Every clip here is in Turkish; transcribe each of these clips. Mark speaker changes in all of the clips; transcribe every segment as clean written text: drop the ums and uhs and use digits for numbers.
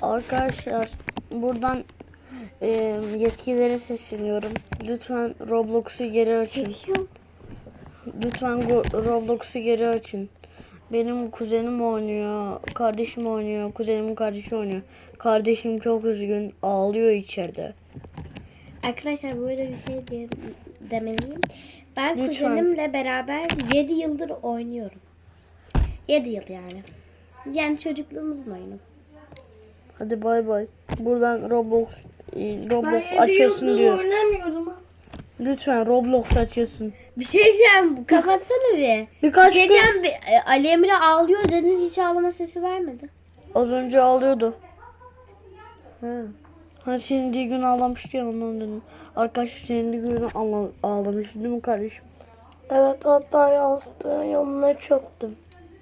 Speaker 1: Arkadaşlar buradan yetkililere sesleniyorum. Lütfen Roblox'u geri açın. Lütfen Roblox'u geri açın. Benim kuzenim oynuyor, kardeşim oynuyor, kuzenimin kardeşi oynuyor. Kardeşim çok üzgün, ağlıyor içeride.
Speaker 2: Arkadaşlar böyle bir şey demeliyim. Ben
Speaker 1: Lütfen.
Speaker 2: kuzenimle beraber 7 yıldır oynuyorum. 7 yıl yani. Yani çocukluğumuzun oyunu.
Speaker 1: Hadi bay bay. Buradan Roblox
Speaker 3: Ben
Speaker 1: açıyorsun diyor.
Speaker 3: oynamıyordum.
Speaker 1: Lütfen Roblox açıyorsun.
Speaker 2: Bir şey diyeceğim. Kapatsana bir.
Speaker 1: Birkaç
Speaker 2: Bir şey
Speaker 1: gün
Speaker 2: diyeceğim. Ali Emre ağlıyor dediniz, hiç ağlama sesi vermedi.
Speaker 1: az önce ağlıyordu.
Speaker 2: Ha.
Speaker 1: Hani senin gün ağlamıştı ya, ondan dedim. Arkadaşlar senin günü ağlamış değil mi kardeşim?
Speaker 3: Evet, hatta yastığın yanına çöktüm.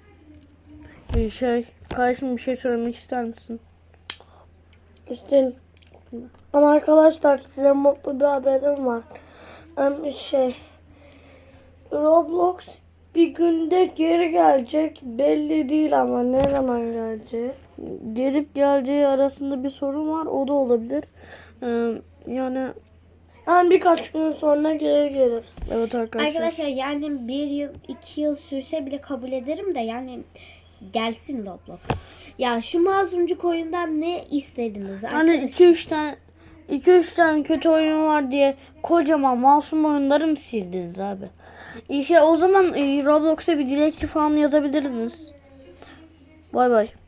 Speaker 1: Kardeşim bir şey söylemek ister misin?
Speaker 3: İşte ama arkadaşlar, size mutlu bir haberim var. Roblox bir günde geri gelecek. Belli değil ama ne zaman geleceği.
Speaker 1: Gelip geleceği arasında bir sorun var, o da olabilir. Yani
Speaker 3: Yani birkaç gün sonra geri gelir.
Speaker 1: evet arkadaşlar.
Speaker 2: Arkadaşlar yani 1 yıl 2 yıl sürse bile kabul ederim de yani gelsin Roblox. Ya şu mazlumcuk oyundan ne istediniz
Speaker 1: Hani
Speaker 2: arkadaşlar?
Speaker 1: 2-3 tane kötü oyun var diye kocaman masum oyunları mı sildiniz abi? İşte o zaman Roblox'a bir dilekçe falan yazabilirdiniz. Bay bay.